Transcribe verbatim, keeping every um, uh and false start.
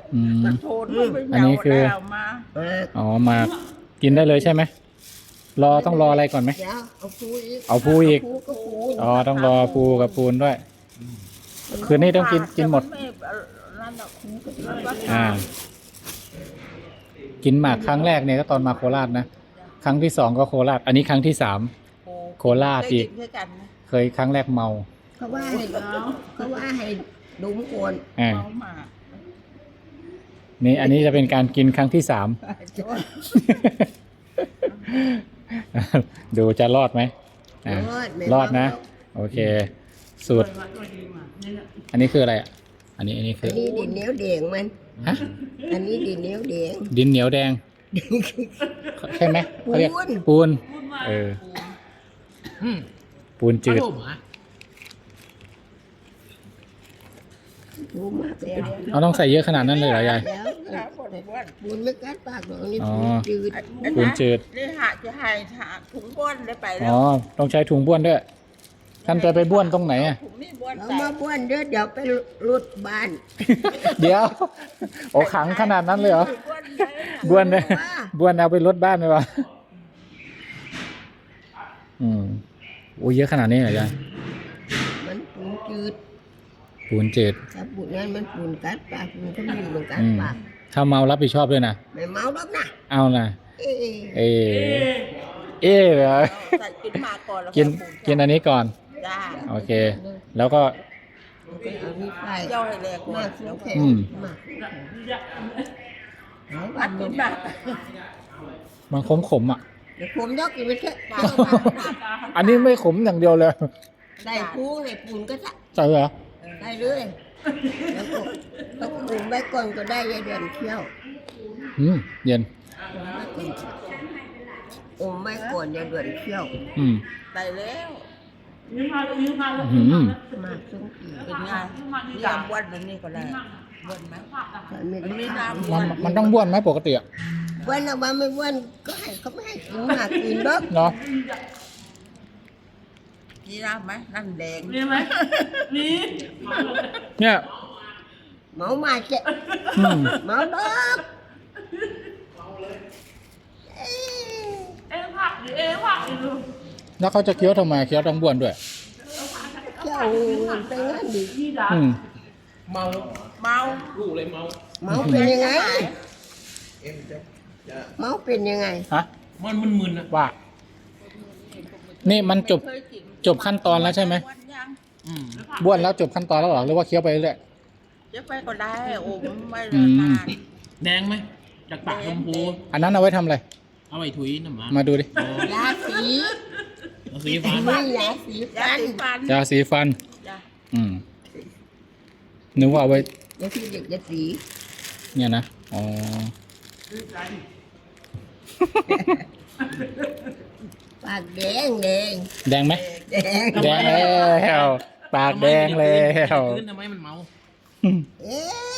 อืมมันโทนมันไม่อันนี้คือเหงาแล้วมาเอออ๋อมากินได้เลยใช่ไหมรอต้องรออะไรก่อนไหมเดี๋ยวเอาปูอีกเอาปูอีกปูก็ปูอ๋อต้องรอปูกับปูนด้วย คืนนี้ต้องกินกินหมดแต่นนั่นน่ะมันก็อ่า กินหมากครั้งแรกเนี่ยก็ตอนมาโคราชนะครั้งที่สองก็โคราช อันนี้ครั้งที่สาม โคราชอีกได้นด้วยกันนะเคยครั้งแรกเมาเขาว่าให้เขาว่าให้ดุมโกนอ่าเมาหมากนี่อันนี้จะเป็นการกินครั้งที่สาม ดูจะรอดไหมอ่ารอดไม่รอดนะเมาโอเค สูตร อันนี้คืออะไรอ่ะ อันนี้อันนี้คือัอนนี้ดินเหนียวแดงมันฮะอันนี้ดินเหนียวแดงดินเหนียวแดง ใช่ไหมเขาเรียกปูนปูน เอออืมปูนจืดขนมอ่ะปูมากแล้วเราต้องใส่เยอะขนาดนั้นเลยเหรอยายแล้วครับผมอ้วนปูนไม่กัดปากหรอกอันนี่อ๋อปูนจืดปูนจืดนี่หาจะให้หาถุงบ้วนได้ไปแล้อ๋วอ ต้องใช้ถุงบ้วนด้วย ท่านจะไปบ้วนตรงไหนอ่ะถุงนี่บ้วนเราใส่มาบ้วนเด้อเดี๋ยวไปรุดบ้านเดี๋ยว โอ้ขังขนาดนั้นเลยเหรอบ้วนได้บ้วนเนี่ยบ้วนเอาไปรถบ้านไหมวะ อืมโอ้เยอะขนาดนี้เหรอยายมันปูนจืดปูนจืดถ้าปูนนั้นมันปูนกัดปากปูนก็มีเหมือนกัดอืมปากถ้าเมารับผิดชอบด้วยนะไม่เมาหรอกนะเอานะเอ๊ะเอเอ๊เหรอใส่กินหมากก่อนแล้วกินค่อยปรุงกินอันนี้ก่อนจ้าโอเค แล้วก็เอานี่ไปเจ้าให้แรงมามาสุแล้วกก็แข็งอืมมาเอาอัดกินหมากมันขมขมๆอ่ะเดี๋ยวผมยกอีกไปเถอะอันนี้ไม่ขมอย่างเดียวเลยได้ปูได้ปูนก็จะใช่เหรอได้เลยแล้วก็ต้องปูนไว้ก่อนก็ได้ยายเดือนเที่ยวอืมเย็นอมไว้ก่อนยายเดือนเที่ยวอืมได้แล้วอืมมาสงกีเป็นไงนี่ยามบ้วนแบบนี้ก็ได้บ้วนไหมใส่ไม่มันมีได้น้ำบ้วมันนมันต้องบ้วนไหมปกติอ่ะวันละวันไม่วันก็ให้เขาไม่ให้กินมากกินเด้อเนาะมีน้ำไหมนั่นแดงมีไหมมีเนี่ยเมามาเจ๊อืมเมาดอกเอ้ยเอ็งผักดิเอ็งผักดิลูกแล้วเขาจะเคี้ยวทำไมเคี้ยวต้องบ้วนด้วยเจ้าไปงั้นดิพี่ดาอืมเมาเมาลูกเลยเมาเมาเป็นยังไงเมาเป็นยังไงฮะมันมึนๆนะว่า นี่มันจบเคยกินจบขั้นตอนแล้วใช่ไหมบ้วนยังอืมบ้วนแล้วจบขั้นตอนแล้วเหรอหรือว่าเคี้ยวไปเรื่อยเจะไปก็ได้โอ้ไม่อืนมานแดงไหมจากปากชมพูอันนั้นเอาไว้ทำอะไรเอาไว้ถุยน้ำหมามาดูดิโอ้ยาสีเอาสีฟ้าไม่ยาสียาฟันสีฟันยาสีฟันจ้ะอืมนึกว่าเอาไว้ยาสีเด็กยาสีเนี่ยนะ อ๋อปากแดงแดงแดงไหมแดงแดงแล้ว ปากแดงแล้วขึ้นทำไมมันเมาเอ๊ะ